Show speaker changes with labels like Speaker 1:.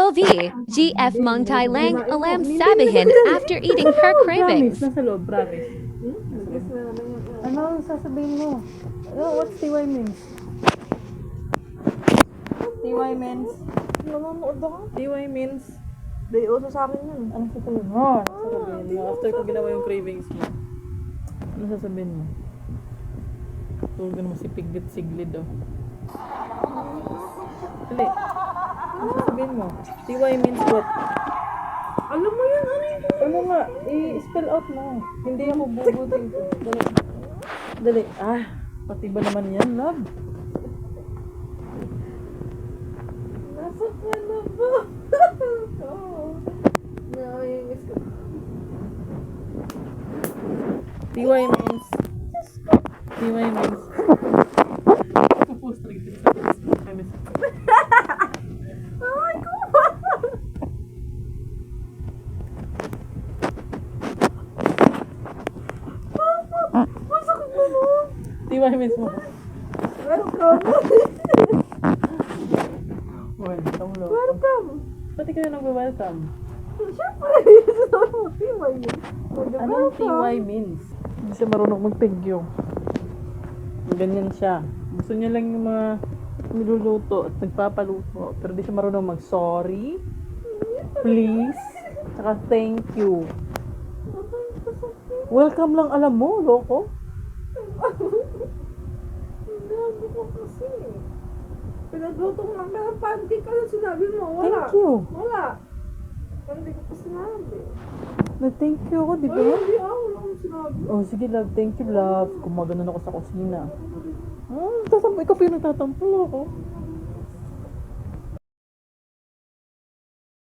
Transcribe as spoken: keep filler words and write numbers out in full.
Speaker 1: L V, G F Mung Thai Lang Alam Sabihin after eating her cravings.
Speaker 2: Nasa loob, promise. Ano ang sasabihin mo? Ano, what's T Y means? T Y means?
Speaker 3: Nanonood ako.
Speaker 2: T Y means?
Speaker 3: Day uso sa akin yun.
Speaker 2: Ano sasabihin mo? Ano sasabihin mo? After ko ginawa yung cravings mo. Ano sasabihin mo? Tulog naman si Piglet Siglid, oh. Dali. Ano sasabihin mo? T Y means what?
Speaker 3: Alam mo yun, ano yun?
Speaker 2: Ano nga? I-spell out mo. Hindi ako bubutin ko. Dali. Dali. Ah, pati ba naman yan, love?
Speaker 3: Nasa ka na ba? Oo. Naiinis ko.
Speaker 2: T Y means. T Y means. Post rin din sa Facebook. I miss it.
Speaker 3: Ay, ko! Masakit mo mo.
Speaker 2: T Y means mo.
Speaker 3: Welcome.
Speaker 2: Welcome, love.
Speaker 3: Welcome.
Speaker 2: Pati ka na nag-welcome.
Speaker 3: Siyempre, sabi mo, T Y yun.
Speaker 2: Anong T Y means? Hindi siya marunong mag-thank you. Ganyan siya. Gusto niya lang yung mga niluluto at nagpapaluto. Pero di siya marunong mag-sorry, please, saka thank you. Welcome lang alam mo, loko.
Speaker 3: Gago ko kasi. Pinagluto ko ng mga pancake ka sinabi mo. Wala.
Speaker 2: Thank you.
Speaker 3: Wala. Hindi ko pa sinabi.
Speaker 2: Na-thank you ako, di ba?
Speaker 3: Ay, hindi ako. Wala akong sinabi.
Speaker 2: Oh, sige love, thank you love. Kumaganon ako sa kusina. Hmm, tatampo, ikaw pa yung nagtatampo ako.